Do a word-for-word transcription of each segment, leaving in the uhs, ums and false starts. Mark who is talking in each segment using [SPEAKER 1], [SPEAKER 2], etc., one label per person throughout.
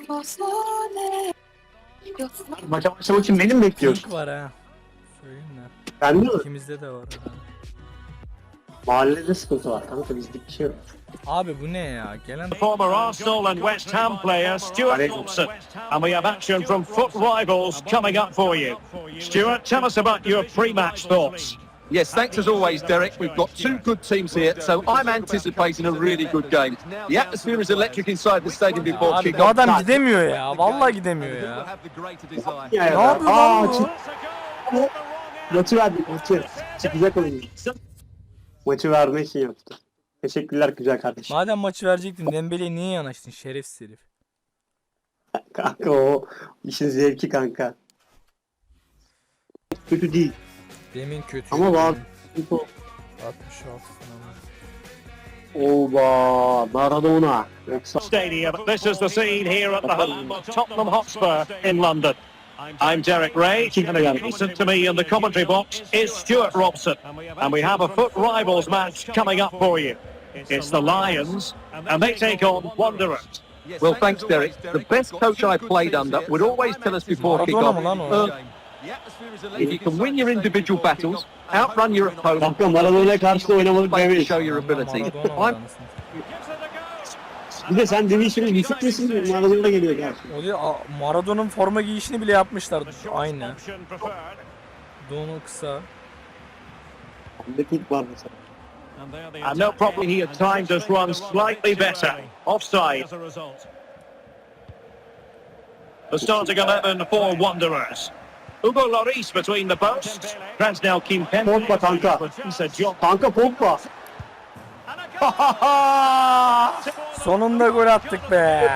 [SPEAKER 1] Maça başlamak için beni mi bekliyorsun?
[SPEAKER 2] Pink var ha. Söyleyeyim de.
[SPEAKER 1] Bende mi?
[SPEAKER 2] İkimizde de var.
[SPEAKER 1] Mahallede sıkıntı var kanka, bizlik bir şey yok.
[SPEAKER 2] Abi bu ne ya? Gelen
[SPEAKER 3] Former Arsenal and West Ham player Stuart Robson. And we have action from Foot Rivals coming up for you. Stuart, tell us about your pre-match thoughts.
[SPEAKER 4] Yes, thanks as always, Derek. We've got two good teams here, so I'm anticipating a really good game. The atmosphere is electric inside the stadium before
[SPEAKER 2] Abi bu
[SPEAKER 4] kick-off.
[SPEAKER 2] adam gidemiyor ya. Vallahi gidemiyor ya.
[SPEAKER 1] Ya,
[SPEAKER 2] Ne yapıyor
[SPEAKER 1] Aa,
[SPEAKER 2] lan bu?
[SPEAKER 1] çık- Maçı verdik maçı. Çıkacak oyun. Maçı vermek için yaptı. Teşekkürler güzel kardeşim.
[SPEAKER 2] Madem maçı verecektin Dembele'ye niye yanaştın şerefsiz herif?
[SPEAKER 1] Kanka o işin zevki kanka. Kötü değil.
[SPEAKER 2] Demin kötü.
[SPEAKER 1] Ama var.
[SPEAKER 2] altmış altı falan.
[SPEAKER 1] Oba Maradona. Yoksa
[SPEAKER 3] Stadium. This is the scene here at the home of Tottenham Hotspur in London. I'm Derek Ray, and adjacent to me in the commentary box is Stuart Robson, and we have a Foot Rivals match coming up for you. It's the Lions, and they take on Wanderers.
[SPEAKER 4] Well, thanks, Derek. The best coach I played under would always tell us before
[SPEAKER 2] Maradona
[SPEAKER 4] kick-off,
[SPEAKER 2] mı lan o?
[SPEAKER 4] uh, if you can win your individual battles, outrun your opponent,
[SPEAKER 1] kanka Maradona'ya karşı da oynamadık
[SPEAKER 4] play to
[SPEAKER 1] demeyiz.
[SPEAKER 4] show your ability.
[SPEAKER 2] Maradona var
[SPEAKER 4] I'm
[SPEAKER 2] anasını.
[SPEAKER 1] Bir de sen demişsin düşük misin? Maradona geliyor karşı.
[SPEAKER 2] O değil, a- Maradona'nın forma giyişini bile yapmışlar. Aynı.
[SPEAKER 3] Option preferred.
[SPEAKER 2] Donu kısa.
[SPEAKER 1] Bir de pink var mesela.
[SPEAKER 3] And no problem, he had timed his run slightly better. Offside. The starting eleven for Wanderers. Hugo Lloris between the posts. Krasnel Kimpembe.
[SPEAKER 1] Pogba kanka.
[SPEAKER 3] Issa Diop.
[SPEAKER 1] Kanka Pogba.
[SPEAKER 2] Sonunda gol attık be.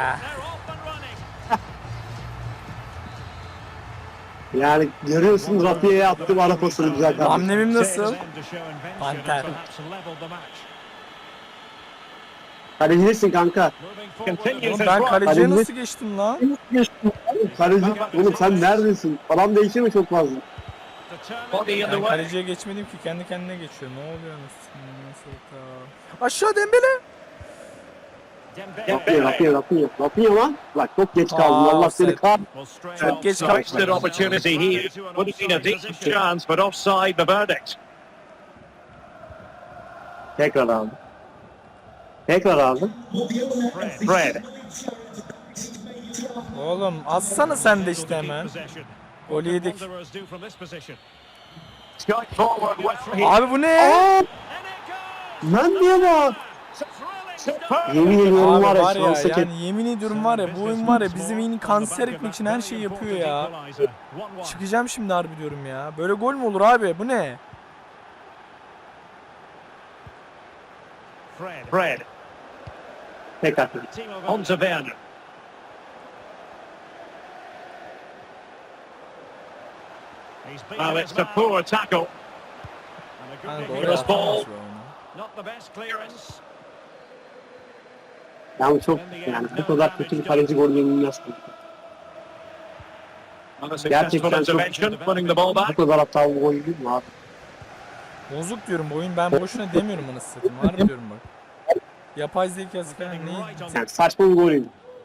[SPEAKER 1] Yani görüyorsun Rafia'ya attım ara pasını güzel kardeşim.
[SPEAKER 2] Hamlemim nasıl? Panter.
[SPEAKER 1] Kalecisin kanka.
[SPEAKER 3] Continues
[SPEAKER 2] Oğlum
[SPEAKER 3] his
[SPEAKER 2] ben
[SPEAKER 3] run.
[SPEAKER 2] kaleciye
[SPEAKER 1] Kaleci-
[SPEAKER 2] nasıl geçtim lan?
[SPEAKER 1] Kaleci. Oğlum sen neredesin? Falan değişiyor mu çok fazla?
[SPEAKER 3] Body in the
[SPEAKER 2] Ben
[SPEAKER 3] way.
[SPEAKER 2] kaleciye geçmedim ki kendi kendine geçiyor. Ne oluyor nasıl? Nasıl ta? Aşağı Dembele.
[SPEAKER 1] Rapia, Rapia, Rapia. Rapia lan. Bak çok geç kaldın.
[SPEAKER 2] Aa,
[SPEAKER 1] Allah seni
[SPEAKER 2] offside.
[SPEAKER 1] kah.
[SPEAKER 2] Çok geç
[SPEAKER 3] Wasted
[SPEAKER 2] kalktım.
[SPEAKER 3] opportunity here. Would have been a decent chance, but offside the verdict.
[SPEAKER 1] Tekrar aldım. Tekrar aldım.
[SPEAKER 3] Fred.
[SPEAKER 2] Oğlum atsana sen de işte hemen. Gol yedik.
[SPEAKER 3] Strike forward well here.
[SPEAKER 2] Abi bu ne?
[SPEAKER 1] Aa! Lan diye bak.
[SPEAKER 3] Superb.
[SPEAKER 1] Yemin ediyorum
[SPEAKER 2] Abi
[SPEAKER 1] var ya
[SPEAKER 2] var ya
[SPEAKER 1] şansa ket.
[SPEAKER 2] yani yemin ediyorum var ya bu oyun var ya bizim oyunu kanser etmek için her şeyi yapıyor ya. Çıkacağım şimdi harbi diyorum ya. Böyle gol mü olur abi? Bu ne?
[SPEAKER 3] Fred.
[SPEAKER 1] Tekrar.
[SPEAKER 3] On to Werner. Well, it's a poor tackle.
[SPEAKER 2] Hani
[SPEAKER 3] Here's
[SPEAKER 2] doğru
[SPEAKER 3] ball.
[SPEAKER 2] atamaz be onu.
[SPEAKER 3] Not the best clearance.
[SPEAKER 1] Yani çok yani bu kadar kötü bir kaleci gol yenilmez.
[SPEAKER 3] And a successful
[SPEAKER 1] Gerçekten çok
[SPEAKER 3] intervention, winning the ball
[SPEAKER 1] bu
[SPEAKER 3] back.
[SPEAKER 1] kadar hatalı gol değil mi abi?
[SPEAKER 2] Bozuk diyorum bu oyun ben boşuna demiyorum anasını satayım. Harbi diyorum bak. Yapay zekası falan neyi?
[SPEAKER 1] Yani saçma bir gol değil.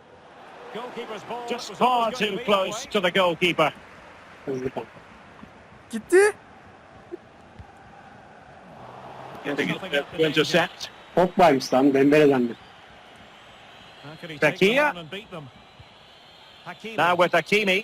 [SPEAKER 3] Just far too close to the goalkeeper.
[SPEAKER 1] Hızlı kal.
[SPEAKER 2] Gitti.
[SPEAKER 3] Getting it to intercept.
[SPEAKER 1] Pogba'ymış lan Dembele'den de.
[SPEAKER 3] Fekir. Now with Hakimi.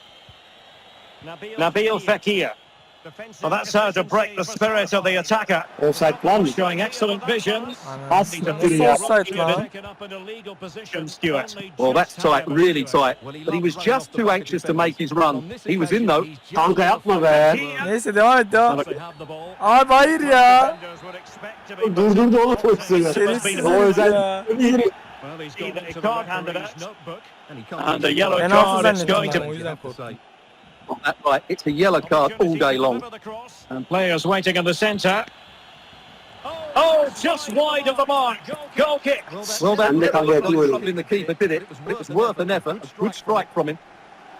[SPEAKER 3] Nabil Fekir. Well, that's how to break the spirit of the attacker.
[SPEAKER 1] Offside var mı?
[SPEAKER 3] Showing excellent vision.
[SPEAKER 1] Pas
[SPEAKER 2] Nasıl
[SPEAKER 1] ya.
[SPEAKER 2] offside lan?
[SPEAKER 3] Stuart.
[SPEAKER 4] well, that's tight, really tight. But he was just too anxious to make his run. He was in though.
[SPEAKER 1] Kanka yapma be.
[SPEAKER 2] Neyse devam et devam. Abi hayır ya.
[SPEAKER 1] Durdurdu oğlum pozisyonu.
[SPEAKER 2] Şerefsiz
[SPEAKER 1] O
[SPEAKER 2] herif
[SPEAKER 1] özel.
[SPEAKER 2] ya.
[SPEAKER 3] A card handed out. And a yellow
[SPEAKER 2] Penaltı
[SPEAKER 3] card it's going
[SPEAKER 2] zannettim ben o
[SPEAKER 3] to...
[SPEAKER 2] yüzden korktum.
[SPEAKER 4] Oh, that's right. It's a yellow card all day long.
[SPEAKER 3] And players waiting in the centre. Oh, just wide of the mark. Goal kick.
[SPEAKER 4] Well, that
[SPEAKER 1] And they can't get through it.
[SPEAKER 4] troubling the keeper, did it? But it was worth an effort. A good strike from him.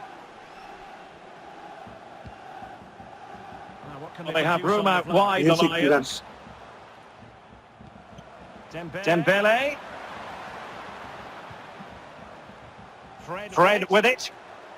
[SPEAKER 3] Well, they have room out wide, the
[SPEAKER 1] Gerçekten.
[SPEAKER 3] Lions. Dembele. Fred with it.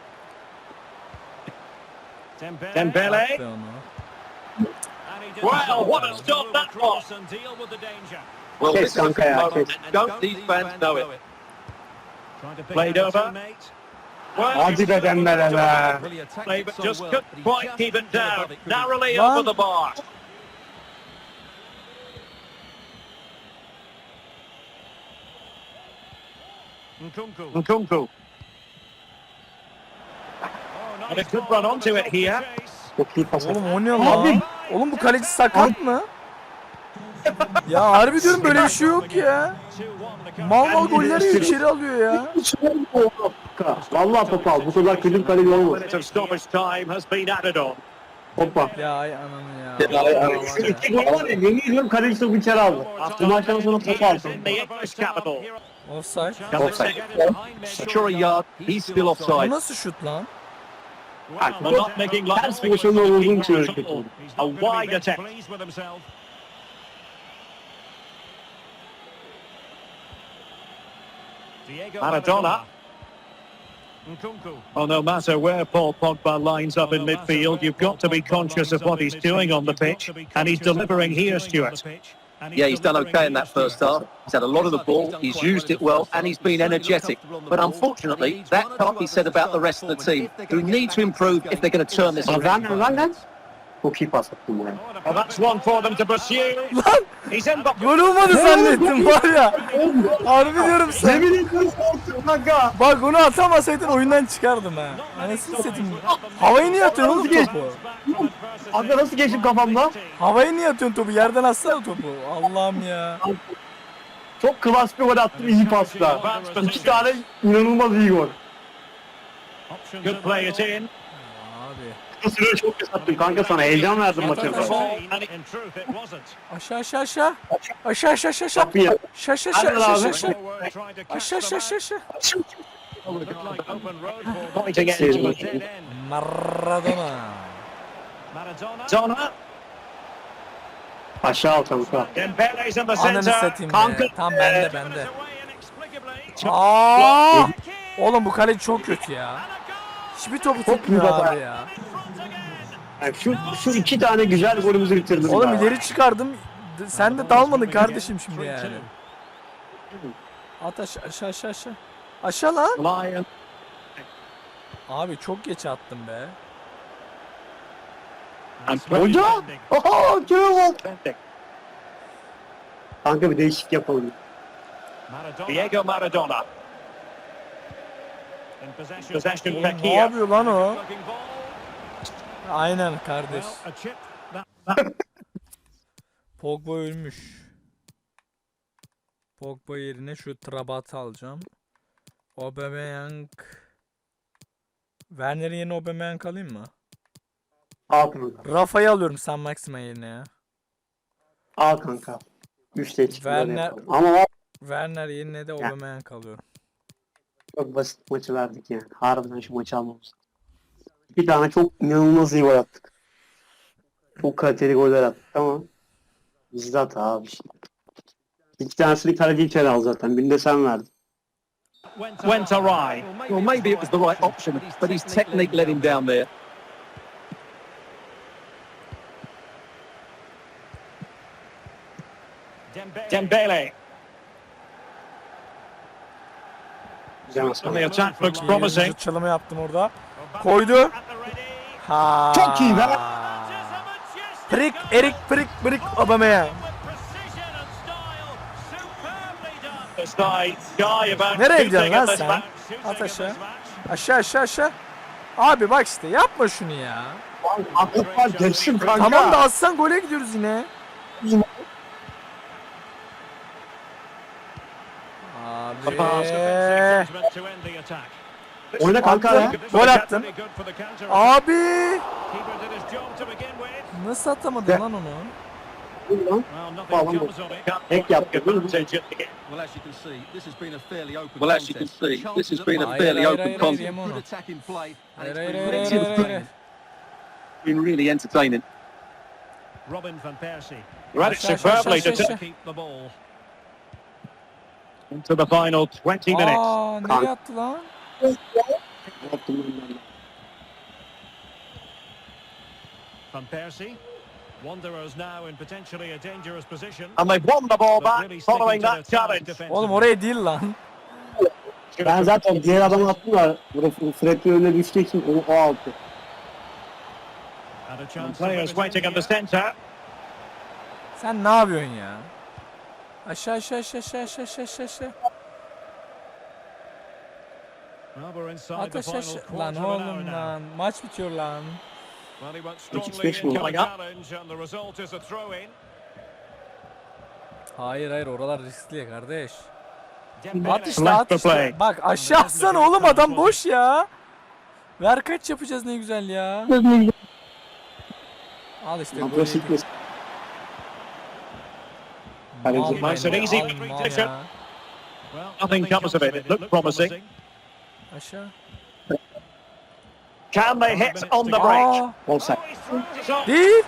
[SPEAKER 3] Dembele.
[SPEAKER 2] Be onu.
[SPEAKER 3] Well, what a stop that was.
[SPEAKER 4] Well,
[SPEAKER 1] Kes
[SPEAKER 4] this is a
[SPEAKER 1] kanka ya,
[SPEAKER 4] moment
[SPEAKER 1] kes.
[SPEAKER 4] and don't these fans know it?
[SPEAKER 3] Played over. Well,
[SPEAKER 1] Hadi be Dembele be.
[SPEAKER 3] play, but just couldn't quite keep it down. Narrowly
[SPEAKER 2] Lan.
[SPEAKER 3] over the bar. Nkunku. And a good run onto it here.
[SPEAKER 1] Çok iyi pas.
[SPEAKER 2] Oğlum o ne lan? Oğlum bu kaleci sakat mı? Ya harbi diyorum böyle bir şey yok ya. Mal mal golleri içeri alıyor ya.
[SPEAKER 1] Vallahi topu al. Bu kadar kötü kaleci olmaz.
[SPEAKER 3] Minute of stoppage time has been added on.
[SPEAKER 1] Hoppa.
[SPEAKER 2] Ya ay ananı ya.
[SPEAKER 1] Ay, ay. Şu iki gol var ya, yemin ediyorum kaleci topu içeri aldı. Bu maçtan sonra topu aldı.
[SPEAKER 3] In the English capital.
[SPEAKER 2] Offside.
[SPEAKER 1] Offside.
[SPEAKER 4] Sure a yard, he's still
[SPEAKER 2] Bu
[SPEAKER 4] offside.
[SPEAKER 2] nasıl şut lan?
[SPEAKER 3] They're not making light
[SPEAKER 1] Ters
[SPEAKER 3] of
[SPEAKER 1] pozisyonda olduğum için öyle
[SPEAKER 3] it.
[SPEAKER 1] kötü oldu.
[SPEAKER 3] A wide attempt. Maradona. Oh, no matter where Paul Pogba lines up in midfield, you've got to be conscious of what he's doing on the pitch, and he's delivering here, Stuart.
[SPEAKER 4] Yeah, he's done okay in that first half. He's had a lot of the ball, he's used it well, and he's been energetic. But unfortunately, that can't be said about the rest of the team, who need to improve if they're going to turn this
[SPEAKER 1] Lan
[SPEAKER 4] around.
[SPEAKER 1] lan lan lan. Çok iyi pas attım buraya.
[SPEAKER 3] Well, that's one for them to pursue.
[SPEAKER 2] Lan
[SPEAKER 3] He's in the...
[SPEAKER 2] gol olmadı zannettim var ya. Harbi diyorum sen.
[SPEAKER 1] Yemin ediyorum korktum kanka.
[SPEAKER 2] Bak onu atamasaydın oyundan çıkardım ha. Anasını satayım. Havayı niye atıyorsun oğlum topu?
[SPEAKER 1] Abi nasıl geçtim kafamda?
[SPEAKER 2] Havayı niye atıyorsun topu? Yerden atsana topu. Allah'ım ya.
[SPEAKER 1] Çok klas bir gol attım, iyi pasta. İki tane inanılmaz iyi gol.
[SPEAKER 3] Good play it in.
[SPEAKER 2] Abi.
[SPEAKER 1] Sürüyor çok pes attım kanka sana. Heyecan verdim maça.
[SPEAKER 3] And it- in truth, it wasn't.
[SPEAKER 2] Aşağı aşağı aşağı. Aşağı aşağı aşağı aşağı.
[SPEAKER 1] Kapıyı.
[SPEAKER 2] Aşağı aşağı aşağı
[SPEAKER 1] Hadi
[SPEAKER 2] aşağı
[SPEAKER 1] abi.
[SPEAKER 2] aşağı.
[SPEAKER 3] Trying to catch
[SPEAKER 2] Aşağı aşağı aşağı aşağı.
[SPEAKER 3] Pointing it into the dead end.
[SPEAKER 2] Maradona.
[SPEAKER 3] Donna.
[SPEAKER 1] Aşağı al kanka.
[SPEAKER 3] Dembele's in the
[SPEAKER 2] Ananı
[SPEAKER 3] centre.
[SPEAKER 2] satayım
[SPEAKER 1] Kanka.
[SPEAKER 2] be. Tam bende bende. Aa! Oğlum bu kale çok kötü ya. Hiçbir topu tutmuyor
[SPEAKER 1] baba.
[SPEAKER 2] abi ya.
[SPEAKER 1] Yani şu, şu iki tane güzel golümüzü bitirdim.
[SPEAKER 2] Oğlum
[SPEAKER 1] ya.
[SPEAKER 2] ileri çıkardım. Sen de dalmadın kardeşim şimdi yani. At aşağı aşağı aşağı aşağı. Aşağı lan.
[SPEAKER 3] Lion.
[SPEAKER 2] Abi çok geç attım be.
[SPEAKER 3] And
[SPEAKER 1] Hoca! Oho! Kime bak!
[SPEAKER 3] Bending.
[SPEAKER 1] Kanka bir değişik yapalım.
[SPEAKER 3] Diego Maradona. Possession
[SPEAKER 2] Oğlum,
[SPEAKER 3] back
[SPEAKER 2] ne
[SPEAKER 3] here.
[SPEAKER 2] yapıyor lan o? Aynen kardeş. Pogba ölmüş. Pogba yerine şu Trabat'ı alacağım. Aubameyang. Werner'in yerine Aubameyang alayım mı?
[SPEAKER 1] Al kanka.
[SPEAKER 2] Rafa'yı alıyorum San Maxima yerine ya.
[SPEAKER 1] Al kanka. Üçte çıktı. böyle
[SPEAKER 2] Werner-
[SPEAKER 1] yapalım. Ama o
[SPEAKER 2] Werner yerine de Aubameyang alıyorum.
[SPEAKER 1] çok basit maçı verdik yani. Harbiden şu maçı almamız. Bir tane çok inanılmaz iyi gol attık. Çok kaliteli goller attık ama bizde hata abi işte. İki tanesini kaleci içeri al zaten. Birini de sen verdin.
[SPEAKER 3] Went awry.
[SPEAKER 4] Well, maybe it was the right option, but his technique let him down there.
[SPEAKER 3] Dembele.
[SPEAKER 1] Güzel
[SPEAKER 3] And
[SPEAKER 1] maç.
[SPEAKER 3] the attack looks
[SPEAKER 2] İyi,
[SPEAKER 3] promising.
[SPEAKER 2] çalımı yaptım orada. Koydu. Ha.
[SPEAKER 1] Çok iyi be.
[SPEAKER 2] Prik, Erik, Prik, Prik, Aubameyang.
[SPEAKER 3] This guy, guy about
[SPEAKER 2] Nereye
[SPEAKER 3] shooting
[SPEAKER 2] gidiyorsun lan
[SPEAKER 3] in this
[SPEAKER 2] sen?
[SPEAKER 3] match.
[SPEAKER 2] At aşağı. Aşağı aşağı aşağı. Abi bak işte yapma şunu ya.
[SPEAKER 1] Aklık var geçtim kanka.
[SPEAKER 2] Tamam da atsan gole gidiyoruz yine. Abi.
[SPEAKER 1] Oyna kanka ya.
[SPEAKER 2] Gol attın. Abi. Nasıl atamadın lan onu?
[SPEAKER 1] Lan. Tek yaptı, değil mi?
[SPEAKER 4] Well, as you can see, this has been a fairly open Well, as you can see, this has been a
[SPEAKER 2] Hayır,
[SPEAKER 4] fairly
[SPEAKER 2] hayır,
[SPEAKER 4] open
[SPEAKER 2] hayır,
[SPEAKER 4] contest.
[SPEAKER 2] hayır,
[SPEAKER 4] Good
[SPEAKER 2] Yemono.
[SPEAKER 4] attacking play, and
[SPEAKER 2] Hayır,
[SPEAKER 4] it's
[SPEAKER 2] hayır,
[SPEAKER 4] been
[SPEAKER 2] hayır,
[SPEAKER 4] really
[SPEAKER 2] hayır, hayır, hayır.
[SPEAKER 4] been really entertaining.
[SPEAKER 3] Robin van Persie. Read it
[SPEAKER 2] Aşağı, aşağı,
[SPEAKER 3] superbly
[SPEAKER 2] aşağı,
[SPEAKER 3] to
[SPEAKER 2] aşağı.
[SPEAKER 3] keep the ball. Into the final twenty minutes.
[SPEAKER 2] Aa, nereye attı lan?
[SPEAKER 1] Yaptım ben de.
[SPEAKER 5] Van Persie. Wanderers now in potentially a dangerous position.
[SPEAKER 3] And they've won the ball back following that challenge.
[SPEAKER 2] Oğlum oraya değil lan.
[SPEAKER 1] Ben zaten diğer adamı attım da burada Fred'in önüne düştüğü için onu o aldı.
[SPEAKER 5] And a chance to
[SPEAKER 3] Players
[SPEAKER 5] put it in
[SPEAKER 3] waiting in the
[SPEAKER 5] here.
[SPEAKER 3] centre.
[SPEAKER 2] Sen ne yapıyorsun ya? Aşağı aşağı aşağı aşağı aşağı aşağı aşağı aşağı.
[SPEAKER 5] Well, we're inside
[SPEAKER 2] At
[SPEAKER 5] the
[SPEAKER 2] aşağı
[SPEAKER 5] final
[SPEAKER 2] aşağı.
[SPEAKER 5] quarter
[SPEAKER 2] Lan
[SPEAKER 5] of an hour
[SPEAKER 2] oğlum
[SPEAKER 5] now.
[SPEAKER 2] lan. Maç bitiyor lan.
[SPEAKER 5] Well, he went
[SPEAKER 1] Which is
[SPEAKER 5] strongly
[SPEAKER 1] special.
[SPEAKER 5] into the
[SPEAKER 3] Coming up.
[SPEAKER 5] challenge and the result is a throw-in.
[SPEAKER 2] Hayır hayır oralar riskli ya kardeş.
[SPEAKER 5] Dembele.
[SPEAKER 2] At işte
[SPEAKER 3] Left
[SPEAKER 2] at
[SPEAKER 3] to
[SPEAKER 2] işte.
[SPEAKER 3] play.
[SPEAKER 2] Bak aşağı atsana oğlum adam boş ya. Ver kaç yapacağız ne güzel ya. Al işte golü
[SPEAKER 1] Agresif
[SPEAKER 2] yedik.
[SPEAKER 1] mes- Kaleci.
[SPEAKER 2] Mal
[SPEAKER 3] Nice and
[SPEAKER 2] mal,
[SPEAKER 3] easy.
[SPEAKER 2] al mal ya.
[SPEAKER 5] Well,
[SPEAKER 3] Nothing comes of it. It looked promising.
[SPEAKER 2] Aşağı.
[SPEAKER 3] Can they hit on the break?
[SPEAKER 2] Aa,
[SPEAKER 1] Offside.
[SPEAKER 5] Oh, he's thrown it off.
[SPEAKER 2] değil.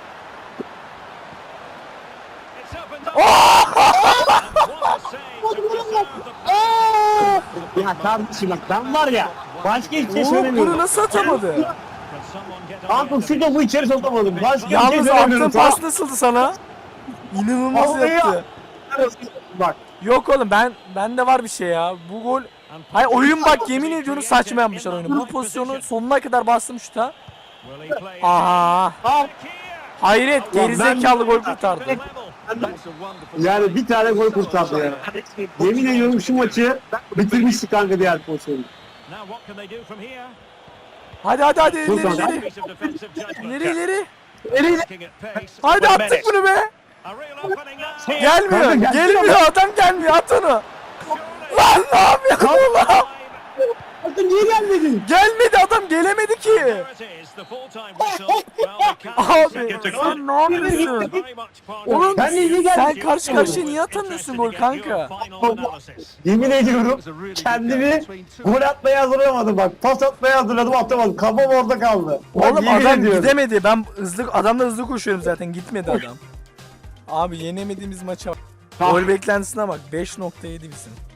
[SPEAKER 5] It's up and down. And what a save to preserve the
[SPEAKER 1] Ya kardeşim bak ben var ya başka hiçbir şey
[SPEAKER 2] Oğlum bunu
[SPEAKER 1] söylemiyorum.
[SPEAKER 2] nasıl atamadı?
[SPEAKER 5] Can someone get
[SPEAKER 1] Kanka
[SPEAKER 5] ahead?
[SPEAKER 1] şurada bu içeri sokamadım. Başka bir şey
[SPEAKER 2] Yalnız
[SPEAKER 1] söylemiyorum.
[SPEAKER 2] attığın pas nasıldı sana? İnanılmaz
[SPEAKER 1] Vallahi ya.
[SPEAKER 2] yaptı.
[SPEAKER 1] Bak
[SPEAKER 2] Yok oğlum ben bende var bir şey ya. Bu gol hayır oyun bak yemin ediyorum saçma yapmışlar oyunu. Bu pozisyonu sonuna kadar bastım şuta.
[SPEAKER 5] Will he play it?
[SPEAKER 2] Aha.
[SPEAKER 1] al.
[SPEAKER 2] Hayret gerizekalı gol kurtardı.
[SPEAKER 5] Level.
[SPEAKER 1] Yani bir tane gol kurtardı ya. Yemin ediyorum şu maçı bitirmiştik kanka diğer pozisyonu.
[SPEAKER 5] Now what can they do from here?
[SPEAKER 2] Hadi hadi hadi
[SPEAKER 1] Dur
[SPEAKER 2] ileri
[SPEAKER 1] kanka.
[SPEAKER 2] ileri.
[SPEAKER 5] Piece of defensive judgment.
[SPEAKER 2] İleri ileri.
[SPEAKER 5] Looking at pace.
[SPEAKER 2] Hadi
[SPEAKER 3] One
[SPEAKER 2] attık
[SPEAKER 3] minute.
[SPEAKER 2] bunu be.
[SPEAKER 5] A real opening now.
[SPEAKER 2] Gelmiyor.
[SPEAKER 1] Kanka, gelsene
[SPEAKER 2] Gelmiyor adam gelmiyor at onu. Lan ne yapıyorsun oğlum?
[SPEAKER 1] Bakın niye gelmedin?
[SPEAKER 2] Gelmedi adam gelemedi ki.
[SPEAKER 5] There it is, the full-time whistle. Well, we can't
[SPEAKER 2] Abi
[SPEAKER 5] second to
[SPEAKER 2] sen ne yapıyorsun?
[SPEAKER 5] very much part
[SPEAKER 2] Oğlum
[SPEAKER 5] of
[SPEAKER 1] Ben de iyi
[SPEAKER 2] sen
[SPEAKER 1] geldim.
[SPEAKER 2] karşı karşıya niye atamıyorsun gol kanka?
[SPEAKER 1] Yemin ediyorum kendimi gol atmaya hazırlamadım bak. Pas atmaya hazırladım atamadım. Kafam orada kaldı. Bak,
[SPEAKER 2] Oğlum
[SPEAKER 1] yemin
[SPEAKER 2] adam
[SPEAKER 1] ediyorum.
[SPEAKER 2] gidemedi. Ben hızlı adamla hızlı koşuyorum zaten. Gitmedi adam. Abi yenemediğimiz maça bak.
[SPEAKER 1] Ah.
[SPEAKER 2] Gol beklentisine bak. beş nokta yedi bizim.